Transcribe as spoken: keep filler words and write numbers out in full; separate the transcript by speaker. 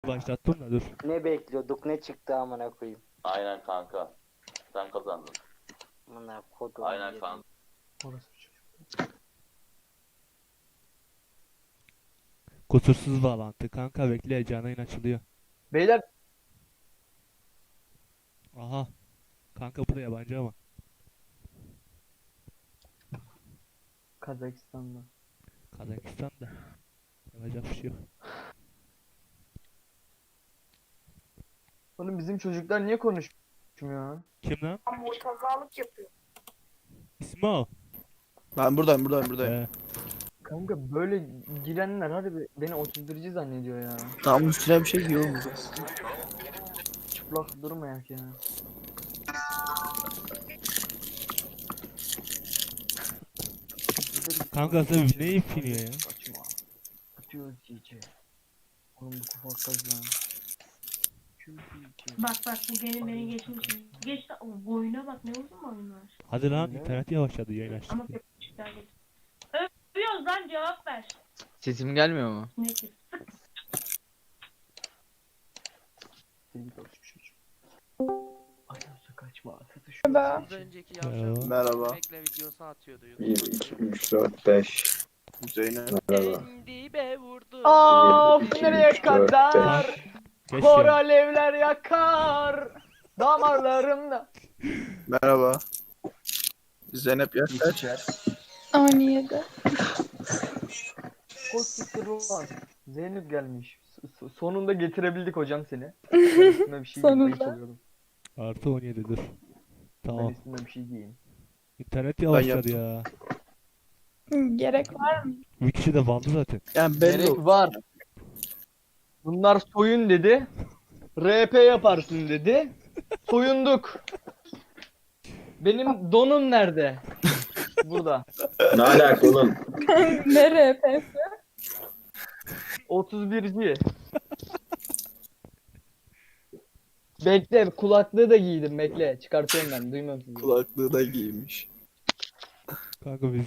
Speaker 1: başlattım da dur.
Speaker 2: Ne bekliyorduk, ne çıktı amına koyayım.
Speaker 3: Aynen kanka. Sen kazandın.
Speaker 2: Amına kodum.
Speaker 3: Aynen
Speaker 2: yedim.
Speaker 3: kanka.
Speaker 4: Orası çocuk.
Speaker 1: Kusursuz bağlantı. Kanka bekle, canlı yayın açılıyor.
Speaker 4: Beyler
Speaker 1: Aha. Kanka bu da yabancı ama.
Speaker 4: Kazakistan'da.
Speaker 1: Kazakistan'da. Yapacak bir şey yok.
Speaker 4: Oğlum bizim çocuklar niye konuşmuyor?
Speaker 1: Kim lan?
Speaker 5: Murtazalık yapıyor.
Speaker 1: İsmi o.
Speaker 6: Ben buradayım buradayım buradayım.
Speaker 1: Ee,
Speaker 4: Kanka böyle girenler harbi beni otuz birci zannediyor ya.
Speaker 6: Tamam üstüne bir şey giyiyor mu?
Speaker 4: Çıplak durmayak ya.
Speaker 1: kanka sen ne ipiniyor ya?
Speaker 4: Saçma. Atıyor cici. Oğlum bu kufa kaz lan.
Speaker 5: Bak bak bu beni beni geçmiş. Geç o boyuna bak ne uzun boyunlar.
Speaker 1: Hadi lan,
Speaker 4: Öyle.
Speaker 1: internet yavaşladı yayın açtık
Speaker 5: Ama
Speaker 1: diye.
Speaker 5: köpükler geç. Övüyoruz lan cevap ver.
Speaker 7: Sesim gelmiyor mu?
Speaker 5: Ne ki?
Speaker 4: Sevgi dostum çocuk. Ayağısa kaçma. Satış.
Speaker 8: Az önceki
Speaker 1: Merhaba.
Speaker 8: yavşak
Speaker 6: Merhaba.
Speaker 8: bekle videosu atıyordu
Speaker 9: bir,
Speaker 8: YouTube'a.
Speaker 9: iki, üç, dört, beş.
Speaker 6: Zeynep.
Speaker 9: Merhaba.
Speaker 8: Dibe vurdu.
Speaker 4: Of
Speaker 9: iki,
Speaker 4: nereye
Speaker 9: üç, dört,
Speaker 4: kadar?
Speaker 1: Geç
Speaker 4: Kor
Speaker 1: ya.
Speaker 4: alevler yakar. Damarlarımda.
Speaker 6: Merhaba. Zeynep yaş kaç?
Speaker 8: on yedi.
Speaker 4: Koskittir olmaz. Zeynep gelmiş. S- s- sonunda getirebildik hocam seni. Ben üstüme bir şey giyeyim. ayıp
Speaker 8: Sonunda.
Speaker 4: oluyorum.
Speaker 1: Artı on yedi dur.
Speaker 4: Ben
Speaker 1: Tamam.
Speaker 4: üstüme bir şey giyeyim.
Speaker 1: İnternet yavaşladı
Speaker 6: yaptım.
Speaker 1: ya.
Speaker 8: Gerek var mı?
Speaker 1: Bir kişi de bandı zaten.
Speaker 6: Yani belli
Speaker 4: Gerek
Speaker 6: oldu.
Speaker 4: var. Bunlar soyun dedi. R P yaparsın dedi. Soyunduk. Benim donum nerede? Burada.
Speaker 9: Ne alaka oğlum?
Speaker 8: Ne R P'si?
Speaker 4: otuz birci. Bekle kulaklığı da giydim bekle. Çıkartıyorum ben duymuyorum sizi.
Speaker 6: Kulaklığı da giymiş.
Speaker 1: Kanka biz